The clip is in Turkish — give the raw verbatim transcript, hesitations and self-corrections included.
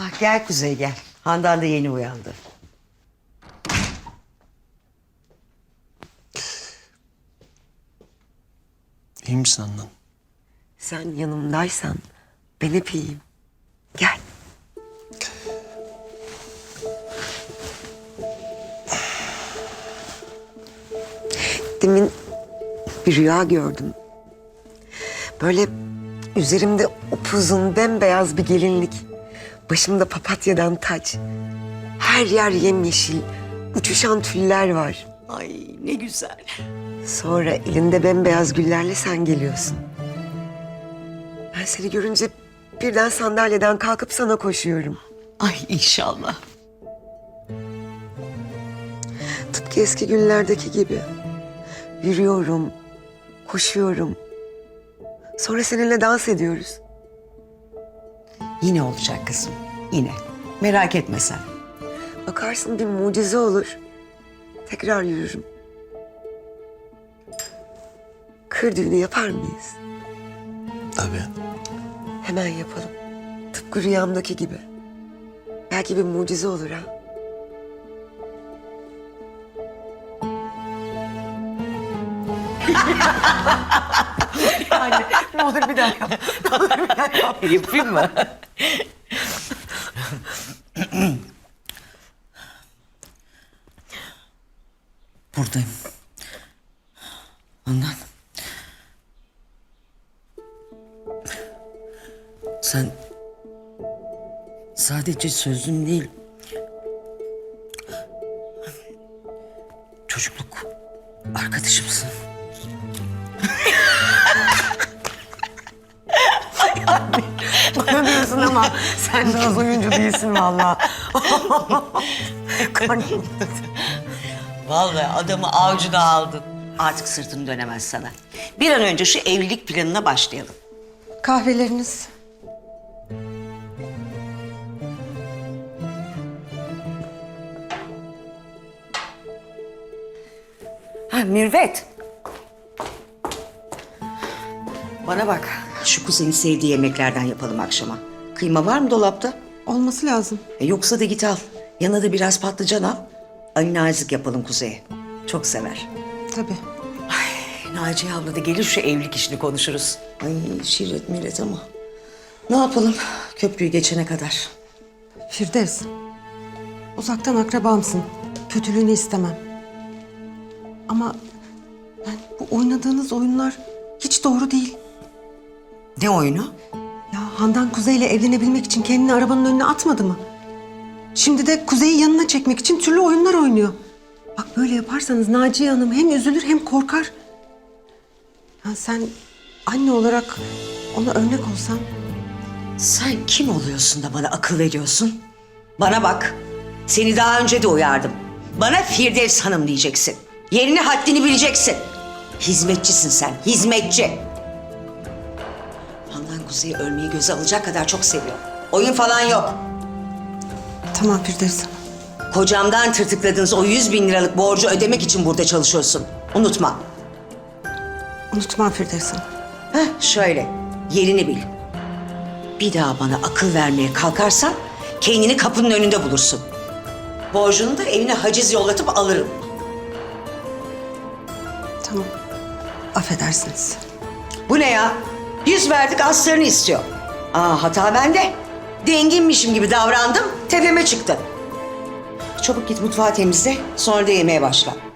Ah, gel Kuzey gel. Handan da yeni uyandı. İyi misin Handan? Sen yanımdaysan ben hep iyiyim. Gel. Demin bir rüya gördüm. Böyle üzerimde upuzun bembeyaz bir gelinlik. Başımda papatyadan taç. Her yer yemyeşil. Uçuşan tüller var. Ay ne güzel. Sonra elinde bembeyaz güllerle sen geliyorsun. Ben seni görünce birden sandalyeden kalkıp sana koşuyorum. Ay inşallah. Tıpkı eski günlerdeki gibi. Yürüyorum, koşuyorum. Sonra seninle dans ediyoruz. Yine olacak kızım. Yine. Merak etme sen. Bakarsın bir mucize olur. Tekrar yürürüm. Kır düğünü yapar mıyız? Tabii. Hemen yapalım. Tıpkı rüyamdaki gibi. Belki bir mucize olur ha. Anne ne olur bir daha yap. Ne olur bir daha yap. Yapayım mı? Buradayım. Ondan. Sen sadece sözün değil, çocukluk arkadaşımsın. Bana diyorsun ama sen de az oyuncu değilsin vallahi. Karnım. Vallahi adamı avcuna aldın. Artık sırtını dönemez sana. Bir an önce şu evlilik planına başlayalım. Kahveleriniz. Ha Mürvet. Bana bak. Şu kuzenin sevdiği yemeklerden yapalım akşama. Kıyma var mı dolapta? Olması lazım. E, yoksa da git al. Yanına da biraz patlıcan al. Ali nazik yapalım Kuzey'e. Çok sever. Tabii. Naciye abla da gelir şu evlilik işini konuşuruz. Ay şirret millet ama. Ne yapalım köprüyü geçene kadar. Firdevs, uzaktan akrabamsın. Kötülüğünü istemem. Ama yani bu oynadığınız oyunlar hiç doğru değil. Ne oyunu? Ya Handan Kuzey'le evlenebilmek için kendini arabanın önüne atmadı mı? Şimdi de Kuzey'i yanına çekmek için türlü oyunlar oynuyor. Bak böyle yaparsanız Naciye Hanım hem üzülür hem korkar. Ya sen anne olarak ona örnek olsan. Sen kim oluyorsun da bana akıl veriyorsun? Bana bak. Seni daha önce de uyardım. Bana Firdevs Hanım diyeceksin. Yerini haddini bileceksin. Hizmetçisin sen, hizmetçi. Handan Kuzey'i ölmeyi göze alacak kadar çok seviyor. Oyun falan yok. Tamam Firdevs Hanım. Kocamdan tırtıkladığınız o yüz bin liralık borcu ödemek için burada çalışıyorsun. Unutma. Unutmam Firdevs Hanım. Heh, şöyle, yerini bil. Bir daha bana akıl vermeye kalkarsan kendini kapının önünde bulursun. Borcunu da evine haciz yollatıp alırım. Tamam. Affedersiniz. Bu ne ya? Yüz verdik aslarını istiyor. Aa hata bende. Denginmişim gibi davrandım, tepeme çıktı. Çabuk git mutfağı temizle, sonra da yemeğe başla.